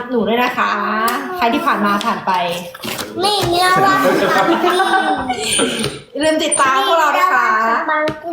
หนูด้วยนะคะ ใครที่ผ่านมาผ่านไปนี่มีรางวัลสปังกรีอย่าลืมติดตามพวกเรานะคะสปังกรี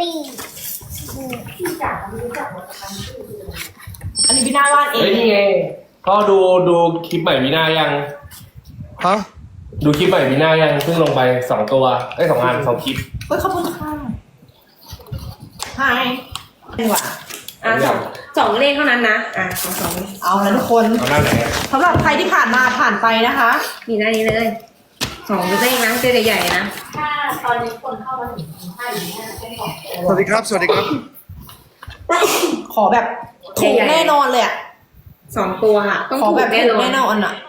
อันนี้พี่นาวาดเอเฮ้ยงนี่ไงพ่อดูคลิปใหม่วีน่ายังฮะดูคลิปใหม่วีน่ายังเพิ่งลงไป2 ตัว2 อัน2 คลิปเฮ้ยขอบคุณค่ะไฮดีกว่าสองเลขเท่านั้นนะสองเอาละทุกคนเอาหน้าไหนสำหรับใครที่ผ่านมาผ่านไปนะคะมีหน้านี้เลยสองเลขนะเจ๊ใหญ่ๆนะถ้าตอนนี้คนเข้ามาถึง5อยู่เนี่ยเป็นของสวัสดีครับ สวัสดีครับขอแบบถูกแน่นอนเลยอะ 2 ตัวอะต้องขอถูแบกบแน่ถูกนอนแน่นอนอะ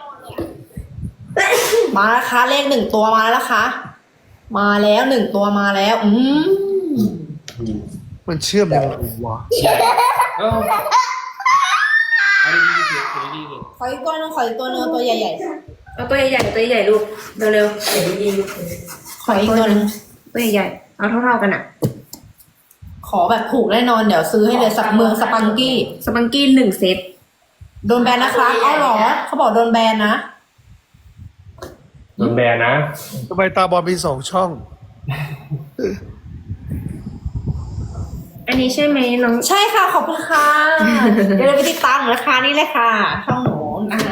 มาแล้วคะเลข1 ตัวมาแล้วนะคะ มาแล้ว1 ตัวมาแล้วมันเชื่อมยังไงวะเอ้าเอาดีๆสิเอาดีๆสิขออีกตัวหนึงขออีกตัวหนึงเอาตัวใหญ่เอาตัวใหญ่ๆตัวใหญ่ๆลูกเร็วๆขออีกตัวหนึงๆตัวใหญ่ๆเอาเท่าๆกันอะขอแบบถูกแน่นอนเดี๋ยวซื้อให้เลยสักเมืองสปังกี้สปังกี้1 เซตโดนแบนนะคะเอาเหรอเขาบอกโดนแบนนะโดนแบนนะทำไมตาบอลมี2 ช่องอันนี้ใช่ไหมน้องใช่ค่ะขอบคุณค่ะ เดี๋ยวเราไปติดตามหนูนะคะนี่เลยค่ะช่องหนูนะคะ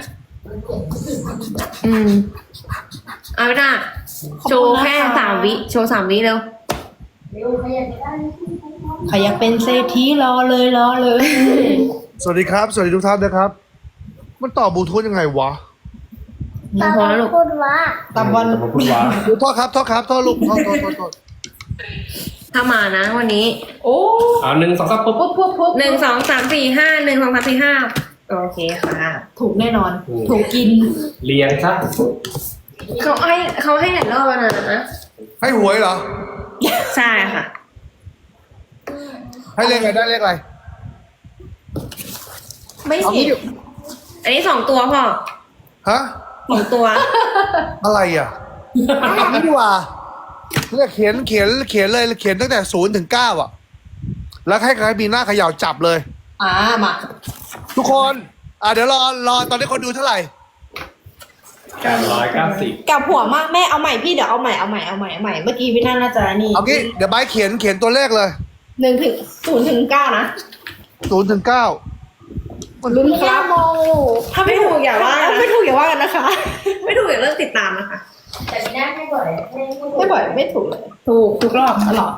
เอาไปนะโชว์แค่3 วิโชว์3 วิเร็วเร็วขยันได้ใครอยากเป็นเศรษฐีรอเลยรอเลยสวัสดีครับ สวัสดีทุกท่านนะครับ มันต่อบลูทูธยังไงวะตาพอแล้วลูกพูดว่าตามวันแต่ผมพูดว่าโทษครับโทษครับโทษลูกโทษถ้ามานะวันนี้โอ้เอา1 2 3ปุ๊บปุ๊บ 1 2 3 4 5 1 2 3 4 5โอเคค่ะถูกแน่นอน ถูกกินเรียงซะเขาให้หลายรอบแล้วนะให้หวยเหรอใช่ค่ะให้เลขอะไรได้เลขอะไรไม่เอาสิงี้อันนี้2 ตัวพ่อฮะ 2 ตัวอะไรอ่ะเอางี้ดีกว่าเนี่ยเขียนเลยเขียนตั้งแต่0 ถึง 9 อ่ะ แล้วให้ใครมีหน้าเขย่าจับเลยมาทุกคน เดี๋ยวรอตอนนี้คนดูเท่าไหร่ 990 กลับหัวมากแม่เอาใหม่พี่เดี๋ยวเอาใหม่เมื่อกี้พี่น่าจะนี่เอางี้เดี๋ยวไบร์ทเขียนตัวเลขเลย 1 ถึง 0 ถึง 9นะ 0 ถึง 9 ลุ้นมีคหรัน้าบโมอยู่ถ้าไม่ถูกอย่าว่านะไม่ถูกอย่าว่ากันนะคะไม่ถูกอย่าเลิกติดตามนะคะแต่ไม่ได้ไม่บ่อยไม่ไม่บ่อยไม่ถูกเลยถูกทุกรอบตลอด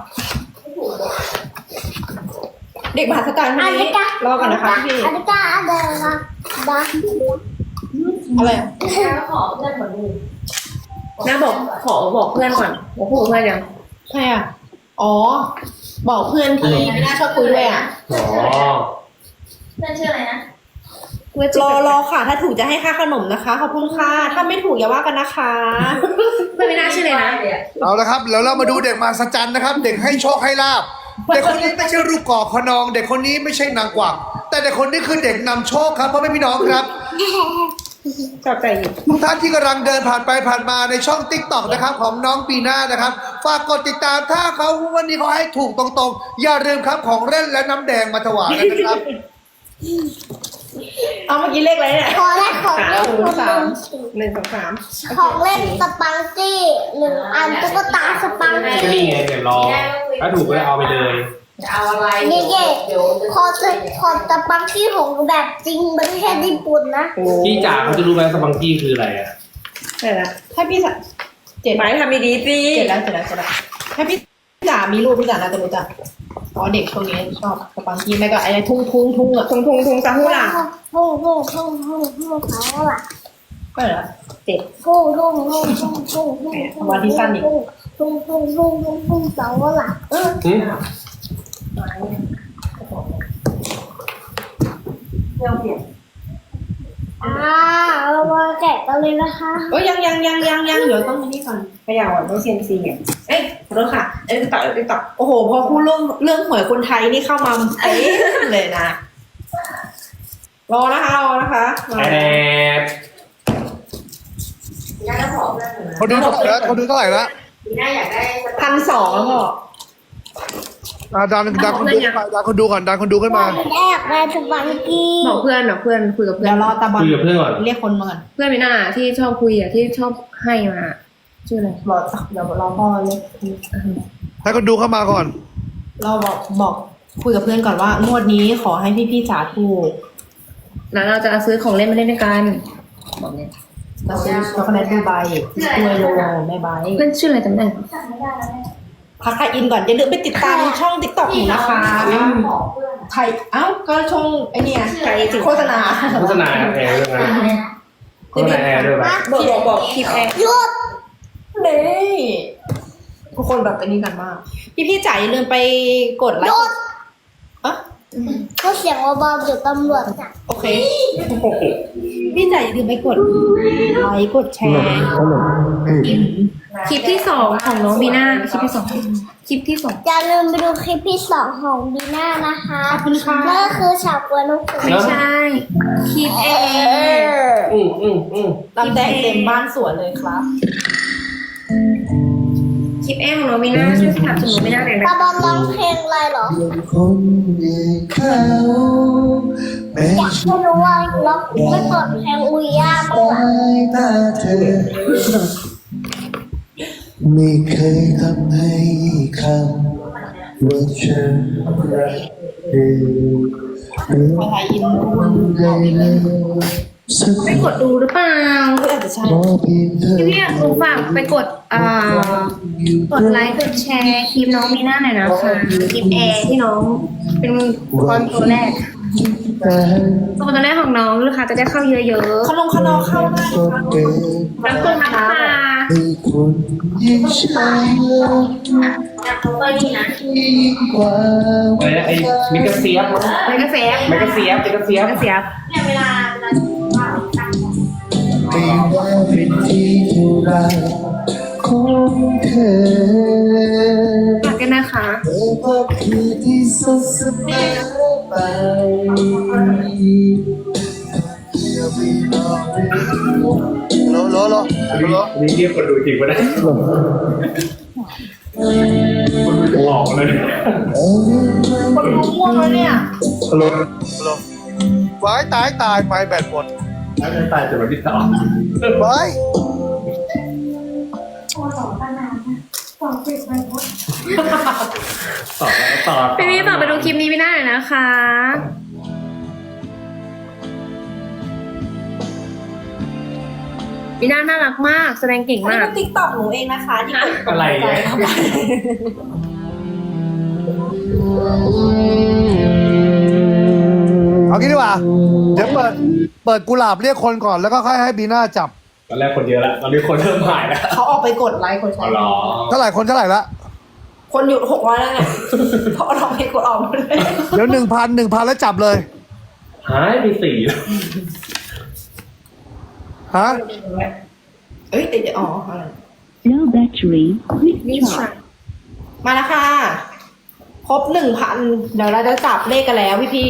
เด็กมหาสการคนอันนี้นี้ก็รอกันนะคะพี่อันนี้ก็เดินนะนะอะไรอะแล้วขอเพื่อนคนนึงน้าบอกเพื่อนก่อนบอกพูดกับเพื่อนยังใช่อ่ะอ๋อ บอกเพื่อนที่ไม่น่าชอบคุยด้วยอ่ะอ๋อเพื่อนชื่ออะไรนะเพื่อนรอค่ะ ถ้าถูกจะให้ค่าขนมนะคะ ขอบคุณค่ะ ถ้าไม่ถูกอย่าว่ากันนะคะเพื่อนไม่น่าชื่อเลยนะเอาละครับแล้วเรามาดูเด็กมหัศจรรย์นะครับ เด็กให้โชคให้ลาบเด็กคนนี้ไม่ใช่ลูกกอกขนอง เด็กคนนี้ไม่ใช่นางกวักแต่เด็กคนนี้คือเด็กนำโชคครับพ่อแม่พี่น้องครับชอบใจอยู่ทุกท่านที่กำลังเดินผ่านไปผ่านมาในช่องติ๊กต็อกนะครับของน้องปีหน้านะครับฝากกดติดตามถ้าเขาวันนี้เขาให้ถูกตรงๆ อย่าลืมครับของเล่นและน้ำแดงมาถวายกันนะครับเอาเมื่อกี้เลขอะไรเนี่ยขอได้ของเล่นคนหนึ่ง 1 2 3 ของเล่นสปังกี้1 อันตุ๊กตาสปังก็กี้นี่ไงเดี๋ยวรอ ถ้าถูกก็เอาไปเลยจะเอาอะไรนี่เย่เดี๋ยวขอสปังกี้ของแบบจริงไม่ใช่ญี่ปุ่นนะพี่จ๋าเขาจะรู้ไหมสปังกี้คืออะไรอ่ะใช่ละให้พี่สัเจ็ดไปทำดีๆสิเจ็ดแล้วให้พี่จ๋ามีรูปพี่จ๋าน่าจะรู้จักอ๋อเด็กช่วงนี้ชอบสปังกี้ไม่ก็ไอ้ทุ่งอ่ะทุงซาฮูล่ะฮู้เขาล่ะก็เหรอฮู้เขาล่ะหืมเรามาแกะกันเลยนะคะเอ้ยยังเดี๋ยวต้องนี่ก่อนขยับอ่ะต้องเซียมซีอ่ะเอ้ยขอโทษค่ะติ๊กต็อกโอ้โหพอพูดเรื่องหวยคนไทยนี่เข้ามาเอ๊ะเลยนะรอนะคะมาแอดปีหน้าก็ขอเพื่อนหนึ่งนะเขาดูเท่าไหร่แล้วปีหน้าอยากได้ 1,200แล้วก็ดันคนดูขึ้นมาดันคนดูก่อนดันคนดูขึ้นมาแอบได้สปังกี้บอกเพื่อนคุยกับเพื่อเดี๋ยนวรอตาบอลคุยกับเพื่อนก่อนเรียกคนมาก่อนเพื่อนมีหน้าที่ชอบคุยที่ชอบให้มาชื่ออะไรรอเดี๋ยวรอพ่อเรียกให้คนดูเข้ามาก่อนเราบอกคุยกับเพื่อนก่อนว่างวดนี้ขอให้พี่จ๋าถูกแล้วเราจะซื้อของเล่นมาเล่นด้วยกันบอกเนี่ยเราซื้อช็อกโกแลตดูไบด้วยโลแม่ใบเพื่อนชื่ออะไรจำได้ไหมพักค่ะอินก่อนอย่าลืมไปติดตามช่องติ๊กต็อกหนูนะคะไทยก็ช่องไอเนี่ยไก่โฆษณาโฆษณาแอร์ด้วยนะโฆษณาแอร์ด้วยป่ะบอกคลิปแอร์หยุดนี่ทุกคนแบบเป็นนี่กันมากพี่จ๋าอย่าลืมไปกดไลหยุค์ดอ่ะเขาเสียงเบาๆอยู่ตำรวจจับโอเคพี่จ๋าอย่าลืมไปกดไลค์กดแชร์คลิปที่สองของน้องบีน่าคลิปที่สองอย่าลืมไปดูคลิปที่2ของบีน่านะคะขอบคุณค่ะนั่นก็คือฉากกวนลูกเสือไม่ใช่คลิปแอร์ลำแดงเต็มบ้านสวนเลยครับคลิปแอร์ของน้องบีน่าช่วยสนับสนุนบีน่าหน่อยตานะบอลร้องเพลงอะไรเหรอคนอย่างเขาแม้อยากให้รู้ว่าร้องไม่เปิดเพลงอุยย่าบ้างเหรอตาเธอ ไม่เคยทำให้คำว่าฉันรักเธอหรือไทยอินได้เลยสักไปกดดูหรือเปล่าอาจจะใช่ขอเพียงเธอพี่อยากรู้ฝากไปกดกดไลค์กดแชร์คลิปน้องบีน่าหน่อยนะคะคลิปแอร์ที่น้องเป็นคนตัวแรกแต่ตัวแรกของน้องลูกค้าจะได้เข้าเยอะขนมเข้าได้นะคะก็เกิดๆแล้วก็มาค่ะให้คนยิ่งใช่ยิ่งกว่าอะไรนะไอ้มิกาเซียบไม่กระแสมิกาเซียบกระเสียบไม่ว่าเป็นที่เท่าไรของเธอฝากกันนะคะเธอก็คือที่สุดเสมอไปโลโลโลโลนี่เรียกคนดูจริงปะเนี่ยหลอกเลยเนี่ยคนง่วงแล้วเนี่ยฮัลโหลไว้ตายไม้แบตหมดแล้วจะตายจะมาที่ต่อไว้ต่อพี่ต่อไปดูคลิปนี้ไม่ได้เลยนะคะบีน่าน่ารักมาก แสดงเก่งอันนี้มากเป็นติ๊กต็อกหนูเองนะคะที่กดอะไรเนี่ยเอางี้ดีกว่าเดี๋ยวเปิดกุหลาบเรียกคนก่อนแล้วก็ค่อยให้บีน่าจับตอนแรกคนเยอะแล้วตอนนี้คนเริ่มหายแล้วเขาออกไปกดไลค์กดแชอ๋อร์เหรอเท่าไหร่คนเท่าไหร่ละคนอยู่600แล้วเนี่ยเพราะเราไปกดออกหมดเลยเดี๋ยว1,000แล้วจับเลยหายไป4แล้วฮะเอ้ยเดี๋ยวอ๋ออะไร Low battery, quick นี่ charge. ค่ะมาแล้วค่ะ ครบ 1,000 เดี๋ยวเราจะจับเลขกันแล้วพี่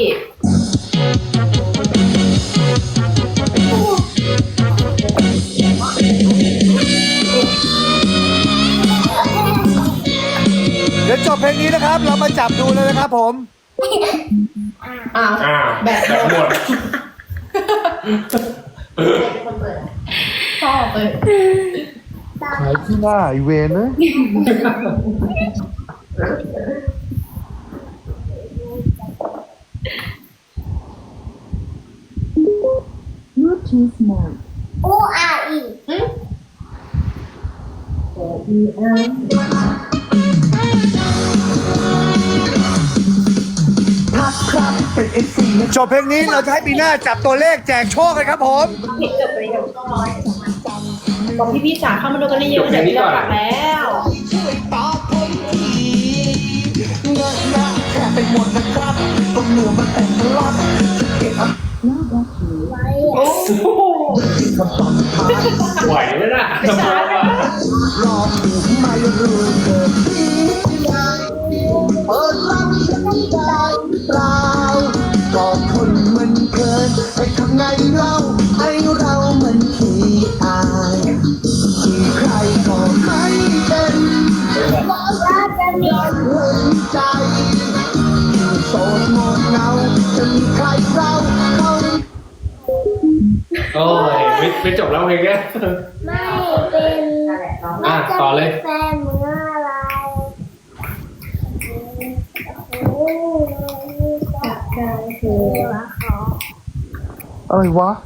เดี๋ยวจบเพลงนี้นะครับ เรามาจับดูเลยนะครับผมอ้าวอ้าวแบตหมดชอบเลยขายที่หน้าไอเวนนะ Bluetooth mode. อูอาอีจบเพลงนี้เราจะให้บีน่าจับตัวเลขแจกโชคเลยครับผมบอกพี่จ๋าเข้ามาดูกันเยอะๆเดี๋ยวพี่เรากลับแล้ว Low battery. โอ้ไหวไหมล่ะไม่ใช่เปิดรับฉันได้เปล่าก็คนมันเกินไปทำไงเราให้เรามันขี้อายที่ใครก็ไม่เป็นบอกว่าจะมีเห็นใจโอ้ยไม่จบแล้วเพลงเนี้ยไม่เป็นอ่ะต่อเลยแฟนเมื่อไรโอ้ยจากการคือเขาอะไรวะ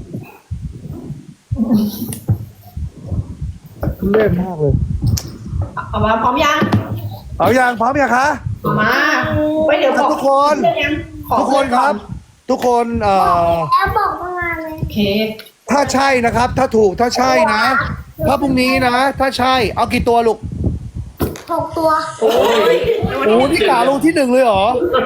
ทุเล่นมากเลยเอามาพร้อมยังเอาอย่างพร้อมยังคะเอามาไว้เดี๋ยวบอกทุกคนเพื่อนยังขอทุกคนครับ ทุกคนแอบบอกตั้งนานเลยโอเคถ้าใช่นะครับ ถ้าถูกถ้าใช่นะ ถ้าพรุ่งนี้นะ ถ้าใช่ เอากี่ตัวลูก 6 ตัวโอ้ยโอ้นี่กาลงที่ 1เลยเหรอ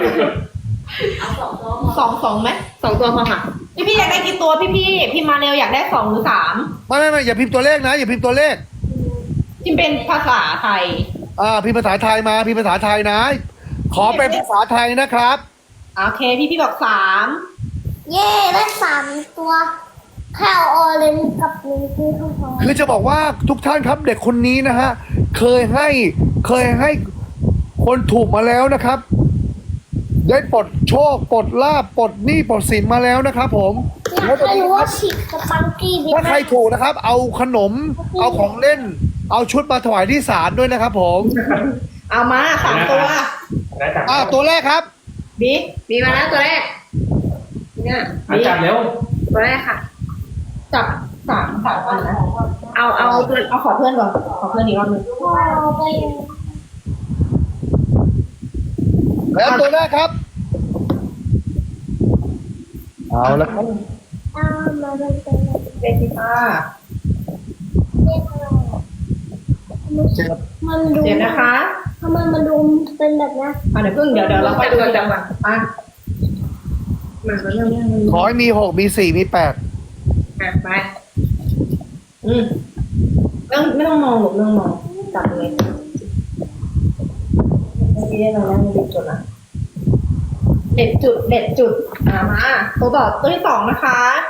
สองไหม 2 ตัวพอค่ะพี่อยากได้กี่ตัวพี่มาเร็วอยากได้2 หรือ 3 ไม่อย่าพิมพ์ตัวเลขนะ อย่าพิมพ์ตัวเลขพิมพ์เป็นภาษาไทยพิมพ์ภาษาไทยมาพิมพ์ภาษาไทยนะ ขอเป็นภาษาไทยนะครับโอเคพี่บอก3 เย่ได้3 ตัวแค่เอาออเรนจ์กับลิงกี้เข้าพอคือจะบอกว่าทุกท่านครับเด็กคนนี้นะฮะเคยให้คนถูกมาแล้วนะครับ ได้ปลดโชคปลดลาบปลดหนี้ปลดสินมาแล้วนะครับผมอยากให้รู้ว่าฉีกกับปังกี้บินถ้าใครถูกนะครับ เอาขนม เอาของเล่น เอาชุดมาถวายที่ศาลด้วยนะครับผมเอามา3 ตัวได้จับตัวแรกครับบีมีมาแล้วตัวแรกเนี่ยจับเร็วตัวแรกค่ะจับ3อันนะเอาตัวเอาขอเพื่อนก่อนขอเพื่อนอีกรอบนึงเอาไปแล้วตัวแรกครับ เอาแล้วครับเอามาเป็นเลขที่5 เรียกอะไรมันดูเดี๋ยวนะคะทำไมมันดูเป็นแบบนี้เดี๋ยวเดี๋ยวเราไปดูจับก่อนอ่ะมาเริ่มขอให้มี 6 มี 4 มี 8 ไปไม่ต้องมองหรอกไม่ต้องมองจับเลยเมื่อกี้เราได้เด็ดจุดนะเด็ดจุดมาตัวต่อตัวที่2นะคะ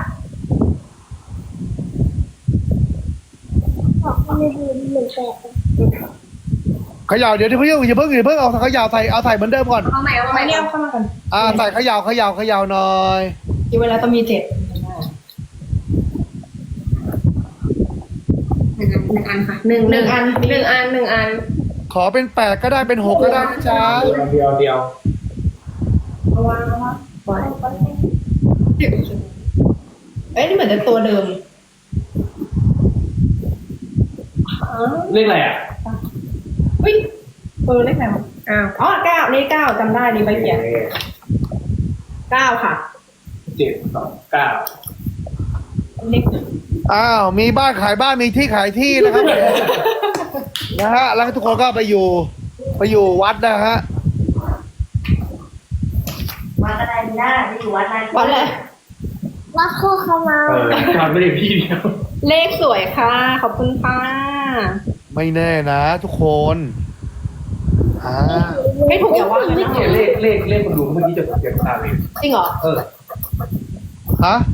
บอกว่าไม่ดูเหมือนแปลกเขย่าเดี๋ยวอย่าเพิ่งเอาเขย่าใส่เหมือนเดิมก่อนเอาใหม่ไม่เนี่ยเข้ามากันใส่เขย่าหน่อยที่เวลาต้องมี7 1 อันค่ะ1 อันขอเป็น 8 ก็ได้เป็น 6 ก็ได้นะจ๊ะเดียวเอาวางเอ้ยนี่เหมือนจะตัวเดิมเลขอะไรอ่ะเฮ้ยเลขไหนวะอ๋อ9เลข9จำได้นี่ใบเขียน9ค่ะ 7 2 9 เลขมีบ้านขายบ้านมีที่ขายที่นะครับ นะฮะแล้วทุกคนก็ไปอยู่วัดนะฮะวัดอะไรไม่ได้ไปอยู่วัดอะไรวันเลยว่าโคเขามาทำไม่ได้พี่เดียวเลขสวยค่ะ ขอบคุณค่ะไม่แน่นะทุกคนไม่ถูกอย่าว่านะเนี่ยเลขคนดูเมื่อกี้จะเสียงตาเลยจริงเหรอฮะ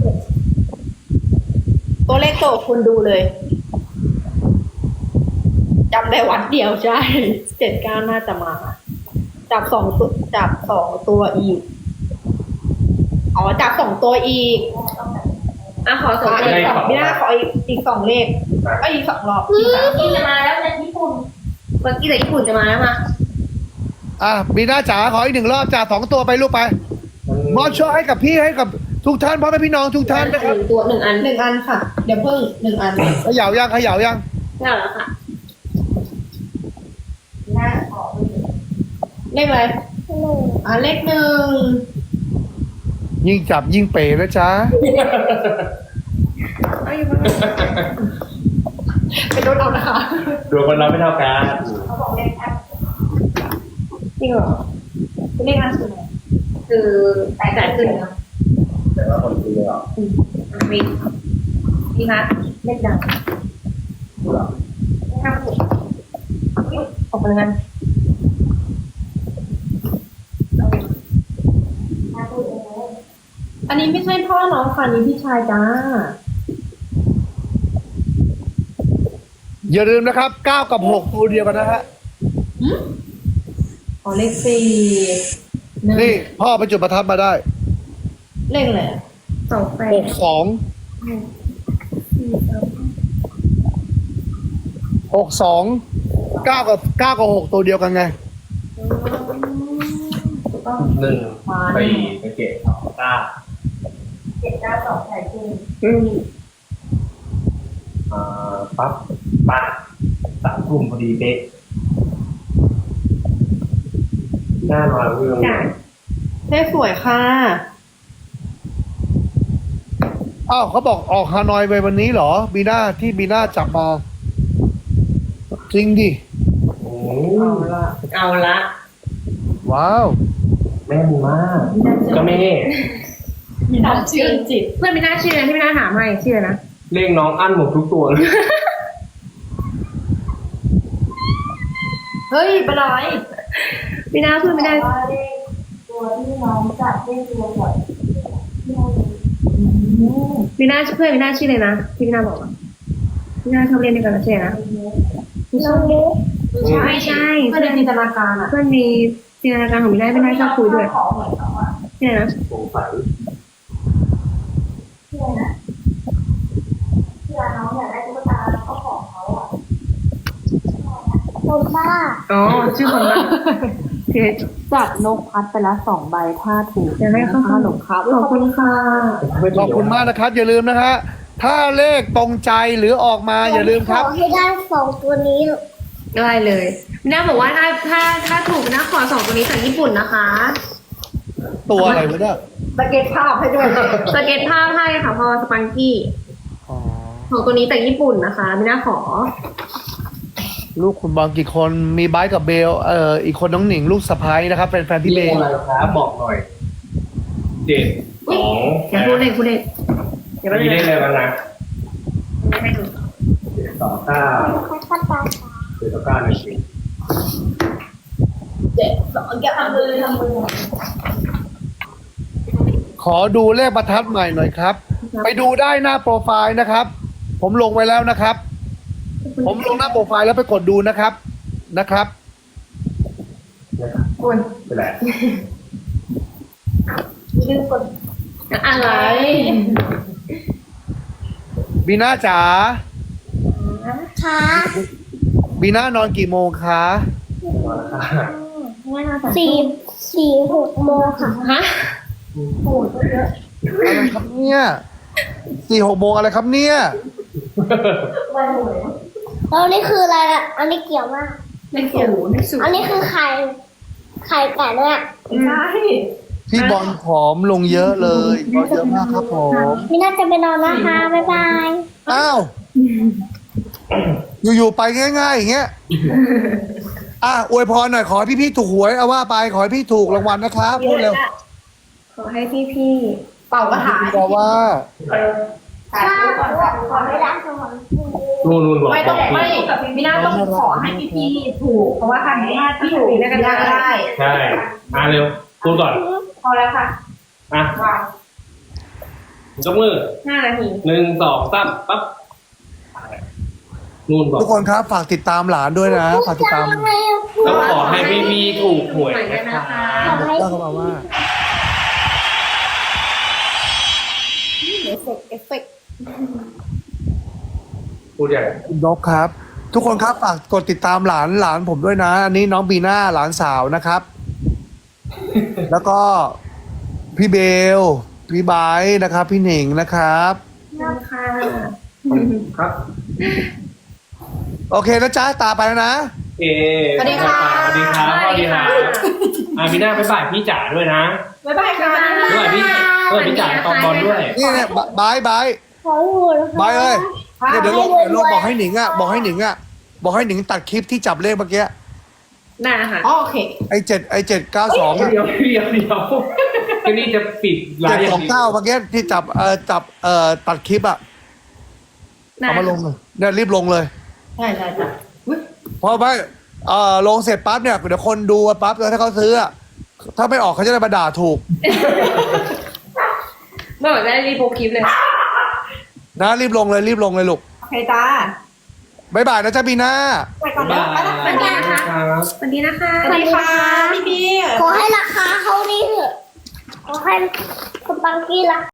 ตัวเลขโตคุณดูเลยจำได้วัดเดียวใช่79น่าจะมา จับ2 ตัวอีกจับ2 ตัวอีกขอ2 อีก2ไม่ได้ขออีก2 เลขอีก2 รอบอีก3 ที่จะมาแล้วจากญี่ปุ่นเมื่อกี้แต่ญี่ปุ่นจะมาแล้วมาบีน่าจ๋าขออีก1 รอบจ๋า2 ตัวไปลูกไปมอบโชคให้กับพี่ให้กับทุกท่านพ่อแม่พี่น้องทุกท่านนะครับตัว1 อัน 1 อันค่ะ เดี๋ยวเพิ่ง1 อันเขย่ายังได้แล้วค่ะน่าขอเลขอะไรเลข1 ยิ่งจับยิ่งเป๋นะจ๊ะเป็นรถเอานะคะดวงคนเราไม่เท่ากันเขาบอกเลขแอปจริงเหรอเป็นเลขอันสุดไหนคือแตกขึ้นนะแต่ว่าคนดูเลยอ่ะมีคะเลขดังออกไปงั้นอันนี้ไม่ใช่พ่อน้องค่ะนี่พี่ชายจ้าอย่าลืมนะครับ9 กับ 6 ตัวเดียวกันนะฮะเลข4 นี่พ่อไปจุดประทัดมาได้เลขอะไร 28 62 62 9 กับ 6 ตัวเดียวกันไง 1 4 ไปเกต2 9 792ใส่จริงปั๊บปัด3 กลุ่มพอดีเป๊ะหน้ามาเรื่องจ้ะเลขสวยค่ะอ้าวเขาบอกออกฮานอยไปวันนี้เหรอบีน่าที่บีน่าจับมา จริงดิโอ้เอาละว้าวแม่นมากก็แม่มีน้ำชื่นจิตเพื่อนไม่น่าเชื่อที่ไม่น่าถามให้เชื่อนะเลขน้องอั้นหมดทุกตัวเลยเฮ้ยเป็นไรไม่น่าเพื่อนไม่ได้ว่าเลขตัวที่น้องจับเลขตัวก่อนที่เราไม่น่าเพื่อนไม่น่าเชื่อเลยนะที่ไม่น่าบอกอะไม่น่าชอบเล่นด้วยกันนะเชื่อนะน้องมุกไม่ใช่เพื่อนในจินตนาการอ่ะเพื่อนมีจินตนาการของไม่ได้ไม่น่าชอบคุยด้วยขอเหมือนเขาอ่ะเชื่อนะสงสัยเพื่อนนะเพื่อนน้องอยากได้ตุ๊กตาแล้วก็ของเขาอ่ะคนบ้าอ๋อชื่อคนละเชื่อจัดนกพัดไปละ2 ใบถ้าถูกอยากให้เขาขนมครับขอบคุณค่ะขอบคุณมากนะครับ อย่าลืมนะฮะถ้าเลขตรงใจหรือออกมาอย่าลืมครับขอให้ได้2 ตัวนี้ได้เลยไม่น่าบอกว่าถ้าถูกนะขอ2ตัวนี้จากญี่ปุ่นนะคะตัวอะไรวะเนี่ยสเก็ตภาพให้ด้วยสเก็ตภาพให้ค่ะพอสปังกี้อ๋อของตัวนี้จากญี่ปุ่นนะคะไม่น่าขอลูกคุณบอลกี่คนมีไบร์ทกับเบลอีกคนน้องหนิงลูกสะพ้ายนะครับเป็นแฟนพี่เบเลขลอะไรครับบอกหน่อย 7 2 อย่าพูดเล่นพูดเล่นเดี๋ยวไปมีเลเลย ขอะไรบ้างนะให้ดู 7 2 9 ค่อยๆตาม 7 2 9 1 ทำมือขอดูเลขประทัดใหม่หน่อยครับ ไปดูได้หน้าโปรไฟล์นะครับ ผมลงไว้แล้วนะครับ ผมลงหน้าโปรไฟล์แล้วไปกดดูนะครับคุณเป็นไรลืมกดอะไรบีน่าจ๋าช้าบีน่านอนกี่โมงคะ 4-6 โมงค่ะฮะอะไรครับเนี่ย4-6 โมงอะไรครับเนี่ยแล้วนี่คืออะไรอ่ะ อันนี้เกี่ยวมากไม่เกี่ยวไม่สูงอันนี้คือไข่ไก่เนี่ยใช่พี่บอลผอมลงเยอะเลยบอลเยอะมากครับผมมีน่าจะไปนอนนะคะ บ๊ายบายอ้าวอยู่ๆไปง่ายๆอย่างเงี้ยอวยพรหน่อยขอให้พี่ๆถูกหวยเอาว่าไปขอให้พี่ถูกรางวัลนะครับพูดเร็วขอให้พี่เป่ากระถาพี่บอกว่าถ่ายรูปก่อนครับขอไม่ได้ขอนู่นบอกไม่ต้องบอกไม่พี่น่าต้องขอให้พี่ๆถูก เพราะว่าทางนี้ที่ถูกได้กันได้ใช่เร็วพูดก่อนพอแล้วค่ะอ่ะยกมือ 5 นาที 1 2 3ปั๊บนู่นบอกทุกคนครับฝากติดตามหลานด้วยนะฝากติดตามต้องขอให้พี่ถูกหวยนะคะก็เข้ามาว่าเอฟเฟกต์พูดใหญ่คุณนกครับ ทุกคนครับฝากกดติดตามหลานผมด้วยนะ อันนี้น้องบีน่าหลานสาวนะครับ แล้วก็พี่เบลพี่ไบร์ทนะครับ พี่หนิงนะครับค่ะครับโอเคนะจ๊ะตาไปแล้วนะเอสวัสดีครับสวัสดีครับมีหน้าไปบ่ายพี่จ๋าด้วยนะบ๊ายบายค่ะด้วยพี่จ๋าตอนบอลด้วยนี่เนี่ยไบร์ทขอหูนะคะไบร์ทเอ้ยเนี่ยเดี๋ยวลงบอกให้หนิงบอกให้หนิงตัดคลิปที่จับเลขเมื่อกี้ได้ค่ะโอเคไอ้792 เดี๋ยวที่นี่จะปิดไลฟ์อย่างนี้ 729เมื่อกี้ที่จับตัดคลิปเอามาลงเลยเนี่ยรีบลงเลยใช่จ้ะเพราะว่าลงเสร็จปั๊บเนี่ยเดี๋ยวคนดูปั๊บแล้วถ้าเขาซื้อถ้าไม่ออกเขาจะได้มาด่าถูกเมื่อไหร่ได้รีโพสต์คลิปเลยนะรีบลงเลยลูกโอเคจ้าบ๊ายบายนะจ๊ะบีน่าไปก่อนนะไปละสวัสดีนะคะ สวัสดีนะคะสวัสดีค่ะพี่ขอให้ราคาเขานี่เถอะขอให้คุณปังกี้รัก